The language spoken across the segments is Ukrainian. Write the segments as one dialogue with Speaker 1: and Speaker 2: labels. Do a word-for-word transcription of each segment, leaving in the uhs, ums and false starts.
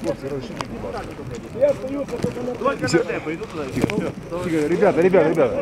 Speaker 1: Хлопці, розширіть, будь ласка. Я остаюся, только на темpo, иду туда. Тихо, ребята, ребята, ребята.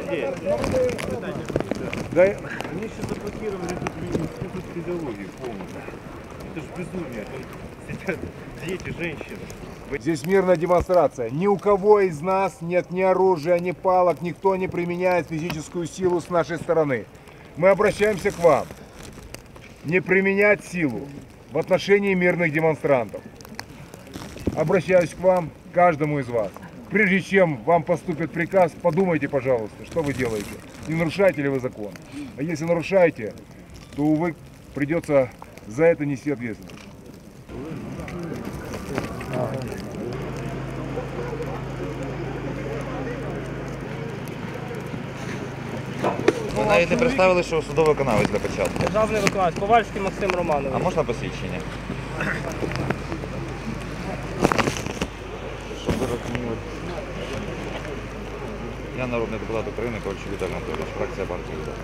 Speaker 1: Да, они сейчас заблокировали тут физиологию полностью. Это же безумие. Там сидят дети, женщины. Здесь мирная демонстрация. Ни у кого из нас нет ни оружия, ни палок, никто не применяет физическую силу с нашей стороны. Мы обращаемся к вам. Не применять силу в отношении мирных демонстрантов. Обращаюсь к вам, каждому из вас. Прежде чем вам поступит приказ, подумайте, пожалуйста, что вы делаете. Не нарушаете ли вы закон? А если нарушаете, то, увы, придется за это нести ответственность.
Speaker 2: Ви навіть не представили, що судовий виконавець для початку.
Speaker 3: Державний виконавець, Ковальський Максим Романович.
Speaker 2: А можна посвідчення? Щоб ви розуміли. Я народний депутат України, Ковальчук Віталій Анатолійович, фракція партії «Удар».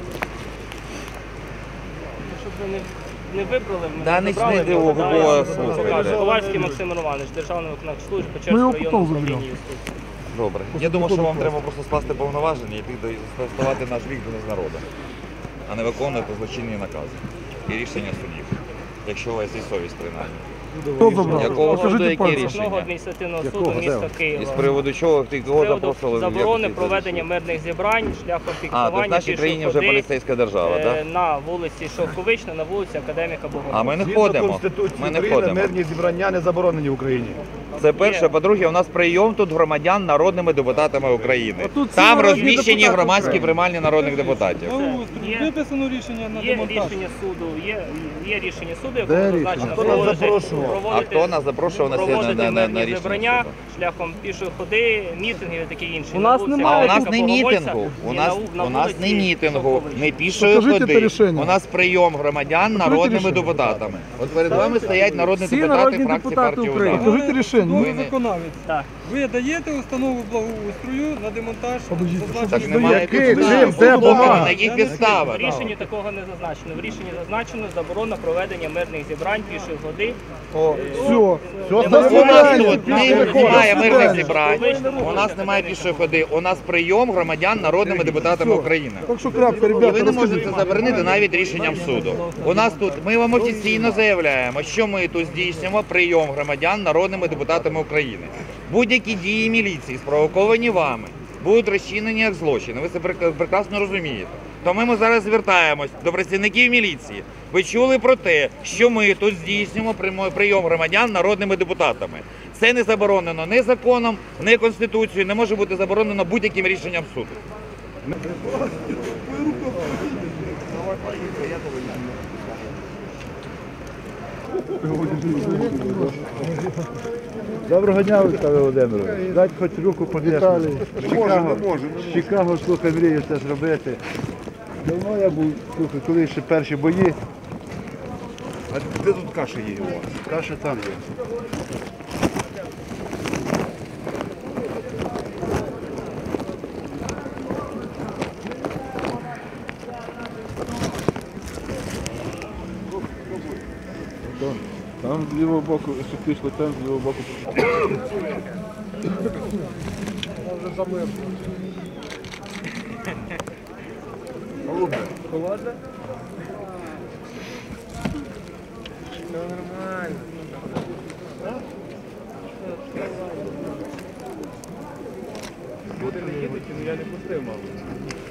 Speaker 3: Щоб ви не, не вибрали, ми
Speaker 2: Да,
Speaker 3: не
Speaker 2: не
Speaker 3: забрали.
Speaker 2: йди, ого, бо слухайте.
Speaker 3: Ковальський Максим Романович, Державний виконавець служби Печерського району управління юстиції.
Speaker 2: Добре. Я думаю, що вам треба просто скласти повноваження і йти ставати наш вік до народу, а не виконувати злочинні накази і рішення судів, якщо у вас є совість принаймні. Якого суду, які
Speaker 3: Обласного
Speaker 2: рішення?
Speaker 3: адміністративного суду міста Києва.
Speaker 2: І з приводу чого ти кого
Speaker 3: З приводу
Speaker 2: запрошували?
Speaker 3: заборони проведення мирних зібрань шляхом
Speaker 2: А, то в
Speaker 3: фіксування
Speaker 2: нашій країні вже
Speaker 3: пішоходи
Speaker 2: поліцейська держава,
Speaker 3: е,
Speaker 2: так?
Speaker 3: на вулиці Шовковична, на вулиці Академіка Богомольця.
Speaker 2: А ми не
Speaker 4: Згідно
Speaker 2: ходимо.
Speaker 4: Конституції
Speaker 2: Ми не
Speaker 4: України
Speaker 2: ходимо.
Speaker 4: мирні зібрання не заборонені в Україні.
Speaker 2: Це перше. По-друге, у нас прийом тут громадян народними депутатами України.
Speaker 5: тут всі
Speaker 2: Там
Speaker 5: народні
Speaker 2: розміщені
Speaker 5: депутати
Speaker 2: громадські
Speaker 5: України.
Speaker 2: приймальні народних депутатів.
Speaker 3: Є-
Speaker 5: Виписано рішення на
Speaker 3: Є
Speaker 5: демонтаж.
Speaker 3: рішення суду, є, є рішення суду,
Speaker 4: Де
Speaker 3: якому
Speaker 4: рішення?
Speaker 3: зазначено
Speaker 4: Хто нас
Speaker 3: проводити,
Speaker 4: запрошував?
Speaker 2: А
Speaker 3: проводити,
Speaker 2: хто нас запрошував на сьогодні
Speaker 3: проводити
Speaker 2: на, на,
Speaker 3: мирні
Speaker 2: на рішення
Speaker 3: зібрання
Speaker 2: суду?
Speaker 3: шляхом пішої ходи, мітингів і таке інше.
Speaker 5: У
Speaker 3: На
Speaker 5: нас
Speaker 3: вулиці
Speaker 2: А у нас
Speaker 3: Академіка
Speaker 2: не
Speaker 3: Богомольця
Speaker 2: мітингу, у
Speaker 3: і
Speaker 2: нас,
Speaker 3: на- на
Speaker 2: у нас не
Speaker 3: вулиці
Speaker 2: мітингу,
Speaker 3: Шовковична.
Speaker 2: не пішої
Speaker 5: Покажіть це
Speaker 2: ходи.
Speaker 5: рішення.
Speaker 2: У нас прийом громадян народними депутатами. От перед вами стоять народні
Speaker 5: Всі
Speaker 2: депутати
Speaker 5: народні
Speaker 2: фракції
Speaker 5: депутати
Speaker 2: партії
Speaker 5: України.
Speaker 2: «Удар».
Speaker 5: Покажіть рішення.
Speaker 2: Ви
Speaker 5: Ви
Speaker 2: не-
Speaker 5: виконавець.
Speaker 3: Так.
Speaker 5: Ви даєте установу благоустрою на демонтаж
Speaker 2: Так
Speaker 5: зазначених
Speaker 2: немає
Speaker 4: Який?
Speaker 2: підстав.
Speaker 4: Чим? Де
Speaker 2: Слухайте,
Speaker 4: бумага?
Speaker 2: на яких підставах?
Speaker 3: В рішенні такого не зазначено. В рішенні зазначено заборона проведення мирних зібрань пішої ходи.
Speaker 4: Все. Все
Speaker 2: У нас
Speaker 4: остальне
Speaker 2: тут
Speaker 4: питання.
Speaker 2: не- немає мирних зібрань,
Speaker 3: Вийшли.
Speaker 2: у нас немає пішої ходи, у нас прийом громадян народними депутатами України.
Speaker 5: Так що крапка,
Speaker 2: І ви
Speaker 5: ребята,
Speaker 2: не можете
Speaker 5: розкажіть.
Speaker 2: це заборонити навіть рішенням суду. У нас тут, ми вам офіційно заявляємо, що ми тут здійснюємо прийом громадян народними депутатами України. Будь-які дії міліції, спровоковані вами, будуть розчинені як злочини. Ви це прек- прекрасно розумієте. Тому ми зараз звертаємось до працівників міліції. Ви чули про те, що ми тут здійснюємо прямо- прийом громадян народними депутатами. Це не заборонено ні законом, ні Конституцією, не може бути заборонено будь-яким рішенням суду.
Speaker 4: Доброго дня, Олександр Володимирович. Дайте хоч руку подержати. Чикаго, Чикаго, слухай, мрію це зробити. Давно я був, слухай, коли ще перші бої.
Speaker 1: А де тут каша є у вас?
Speaker 4: Каша там є.
Speaker 5: Там з лівого боку, що пішло, там з лівого боку.
Speaker 3: Холодно? Все нормально.
Speaker 1: Я не пустив, мабуть.